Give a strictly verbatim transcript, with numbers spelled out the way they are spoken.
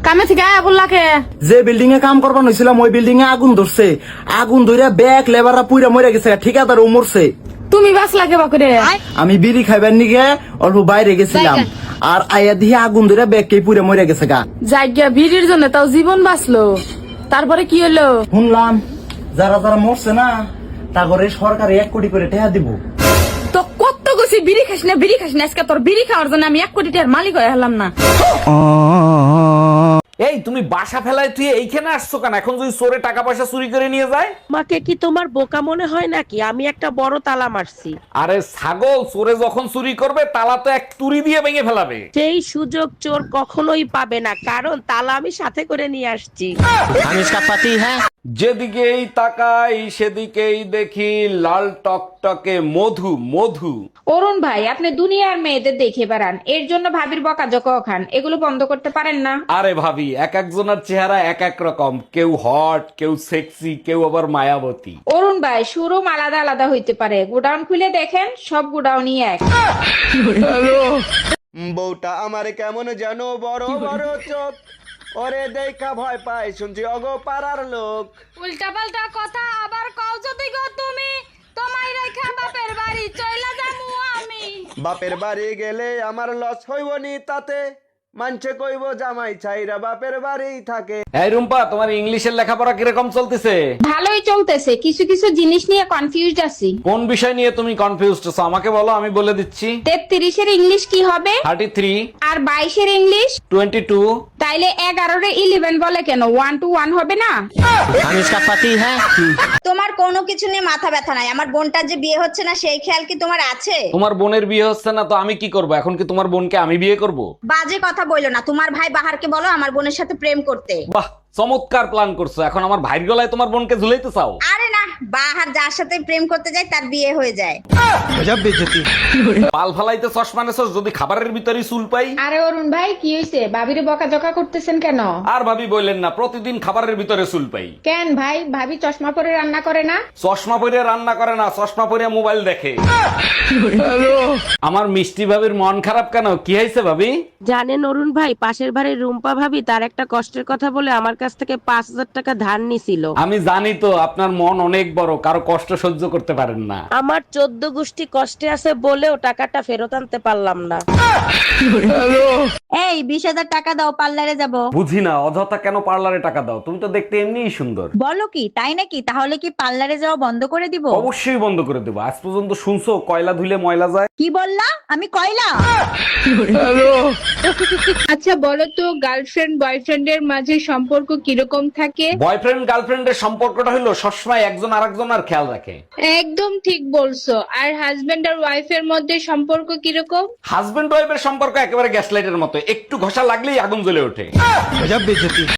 কামে থেকে আয়া বললাকে যে বিল্ডিং এ কাম করবার হয়েছিলাম ওই বিল্ডিং এ আগুন ধরছে, আগুন ধরে ব্যাগ লেবাররা পুইরা মরে গেছে, ঠিকাদার ও মরছে। তুমি বাস লাগে বাকুরে আমি বিড়ি খাইবার নিগে অল্প বাইরে গেছিলাম, আর আয়া দিয়ে আগুন ধরে ব্যাগ কে পুইরা মরে গেছে গা। জায়গা ভিড়ির জন্য তাও জীবন বাঁচলো, তারপরে কি হলো? শুনলাম যারা যারা মরছে না তা করে সরকার এক কোটি করে টাকা দিব। তো কত গেছি বিড়ি খাস না বিড়ি খাস না, আজকে তোর বিড়ি খাওয়ার জন্য আমি এক কোটি টাকার মালিক হয়ে হলাম না। এই তুমি বাসা ফেলায় তুই এইখানে আসছো কেন? এখন যদি চোরে টাকা পয়সা চুরি করে নিয়ে যায়? আমাকে কি তোমার বোকা মনে হয় নাকি? আমি একটা বড় তালা মারছি। আরে ছাগল, চোরে যখন চুরি করবে তালা তো এক তুড়ি দিয়ে ভেঙে ফেলাবে। সেই সুযোগ চোর কখনোই পাবে না, কারণ তালা আমি সাথে করে নিয়ে আসছি। যেদিকেই তাকাই সেদিকেই দেখি লাল টকটকে মধু মধু। অরুণ ভাই, আপনি দুনিয়ার মেয়েদের দেখে বেড়ান, এর জন্য ভাবির বকাঝকা খান, এগুলো বন্ধ করতে পারেন না? আরে ভাবি, এক একজনের চেহারা এক এক রকম, কেউ হট, কেউ সেক্সি, কেউ আবার মায়াবতী। অরুণ ভাই, শোরুম আলাদা আলাদা হইতে পারে, গোডাউন খুলে দেখেন, সব গোডাউনই এক। বউটা আমার কেমন যেন বড় বড় চোখ, ওরে দেখা ভয় পায় শুনছি অগো পাড়ার লোক। উল্টা পাল্টা কথা আবার কও যদি গো তুমি, তোমায় রেখা বাপের বাড়ি চইলা যামু আমি। বাপের বাড়ি গেলে আমার লস হইব নি তাতে, মানছে কইব জামাই ছাইরা বাপের বাড়ি থাকে। এই রুম্পা, তোমার ইংলিশের লেখাপড়া কিরকম চলতেছে? ভালোই চলতেছে, কিছু কিছু জিনিস নিয়ে কনফিউজড আছি। কোন বিষয় নিয়ে তুমি কনফিউজড আছো আমাকে বলো, আমি বলে দিচ্ছি। তেত্রিশের ইংলিশ কি হবে? Thirty three. আর বাইশের ইংলিশ? Twenty two. তাইলে এগারোর ইলেভেন বলে কেন? ওয়ান টু ওয়ান হবে না? তোমার কোনো কিছু নিয়ে মাথা ব্যথা নাই, আমার বোনটার যে বিয়ে হচ্ছে না সেই খেয়াল কি তোমার আছে? তোমার বোনের বিয়ে হচ্ছে না তো আমি কি করব? এখন কি তোমার বোনকে আমি বিয়ে করব? বাজে কথা বইলো না, তোমার ভাই বাহারকে বলো আমার বোনের সাথে প্রেম করতে। বাহ, চমৎকার প্ল্যান করছো। এখন আমার ভাইয়ের গলায় তোমার বোনকে ঝুলাইতে চাও? আরে না, বাহার যার সাথে প্রেম করতে যায় তার বিয়ে হয়ে যায়। পাল ফালাইতে চশমা নেছস, যদি খাবারের ভিতরে চুল পাই। আরে অরুণ ভাই, কি হয়েছে? ভাবিরে বকাঝকা করতেছেন কেন? আর ভাবি বললেন না, প্রতিদিন খাবারের ভিতরে চুল পাই। কেন ভাই, ভাবি চশমা পরে রান্না করে না? চশমা পরে রান্না করে না, চশমা পরে মোবাইল দেখে। আমার মিষ্টি ভাবির মন খারাপ কেন? কি হয়েছে ভাবি? জানেন অরুণ ভাই, পাশের বাড়ির রুম্পা ভাবি তার একটা কষ্টের কথা বলে আমার কাছ থেকে পাঁচ হাজার টাকা ধার নিছিল। আমি জানি তো আপনার মন অনেক বড়, কারো কষ্ট সহ্য করতে পারেন না। আমার চোদ্দ গোষ্ঠী কষ্টে আছে বলেও টাকাটা ফেরত আনতে পারলাম না। এই বিশ হাজার টাকা দাও, পার্লারে যাব। বুঝি না, অযথা কেন পার্লারে টাকা দাও? তুমি তো দেখতে এমনিই সুন্দর। বলো কি, তাই নাকি? তাহলে কি পার্লারে যাওয়া বন্ধ করে দিব? অবশ্যই বন্ধ করে দেবো। আজ পর্যন্ত শুনছো কয়লা ধুলে ময়লা যায়? কি বললা? আমি কয়লা? আচ্ছা বলো তো, গার্লফ্রেন্ড বয়ফ্রেন্ডের মাঝে সম্পর্ক কিরকম থাকে? বয়ফ্রেন্ড গার্লফ্রেন্ডের সম্পর্কটা হলো সবসময় একজন আরেকজনের খেয়াল রাখে। একদম ঠিক বলছো। আর হাজবেন্ড আর ওয়াইফের মধ্যে সম্পর্ক কিরকম? হাজবেন্ড ওয়াইফের সম্পর্ক একেবারে গ্যাস লাইটের মতো, একটু ঘষা লাগলেই আগুন জ্বলে ওঠে।